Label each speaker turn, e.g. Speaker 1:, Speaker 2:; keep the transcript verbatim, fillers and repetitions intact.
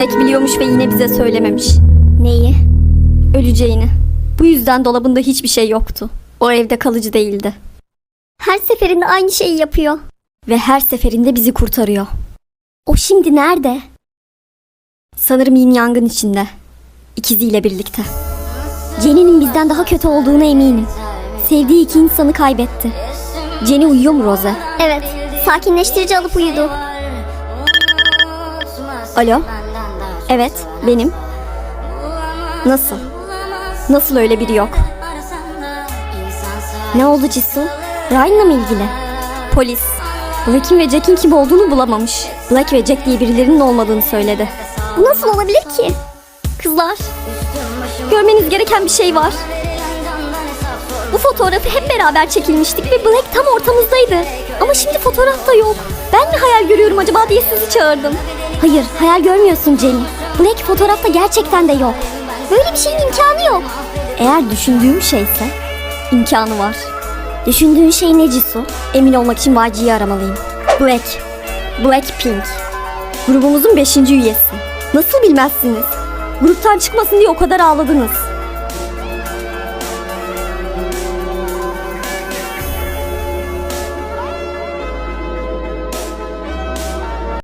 Speaker 1: Black biliyormuş ve yine bize söylememiş.
Speaker 2: Neyi?
Speaker 1: Öleceğini. Bu yüzden dolabında hiçbir şey yoktu. O evde kalıcı değildi.
Speaker 2: Her seferinde aynı şeyi yapıyor.
Speaker 1: Ve her seferinde bizi kurtarıyor.
Speaker 2: O şimdi nerede?
Speaker 1: Sanırım yin yangın içinde. İkiziyle birlikte.
Speaker 2: Jenny'nin bizden daha kötü olduğuna eminim. Sevdiği iki insanı kaybetti.
Speaker 1: Jenny uyuyor mu Rose?
Speaker 2: Evet, sakinleştirici alıp uyudu.
Speaker 1: Alo? Evet, benim. Nasıl? Nasıl öyle biri yok?
Speaker 2: Ne oldu Jisoo? Ryan'la mı ilgili?
Speaker 1: Polis. Black'in ve Jack'in kim olduğunu bulamamış. Black ve Jack diye birilerinin olmadığını söyledi.
Speaker 2: Bu nasıl olabilir ki?
Speaker 1: Kızlar, görmeniz gereken bir şey var. Bu fotoğrafı hep beraber çekilmiştik ve Black tam ortamızdaydı. Ama şimdi fotoğrafta yok. Ben mi hayal görüyorum acaba diye sizi çağırdım.
Speaker 2: Hayır, hayal görmüyorsun Jenny. Black fotoğrafta gerçekten de yok. Böyle bir şeyin imkanı yok.
Speaker 1: Eğer düşündüğüm şeyse imkanı var.
Speaker 2: Düşündüğün şey ne Jisoo?
Speaker 1: Emin olmak için Y G'yi aramalıyım. Black. Blackpink. Grubumuzun beşinci üyesi. Nasıl bilmezsiniz? Gruptan çıkmasın diye o kadar ağladınız.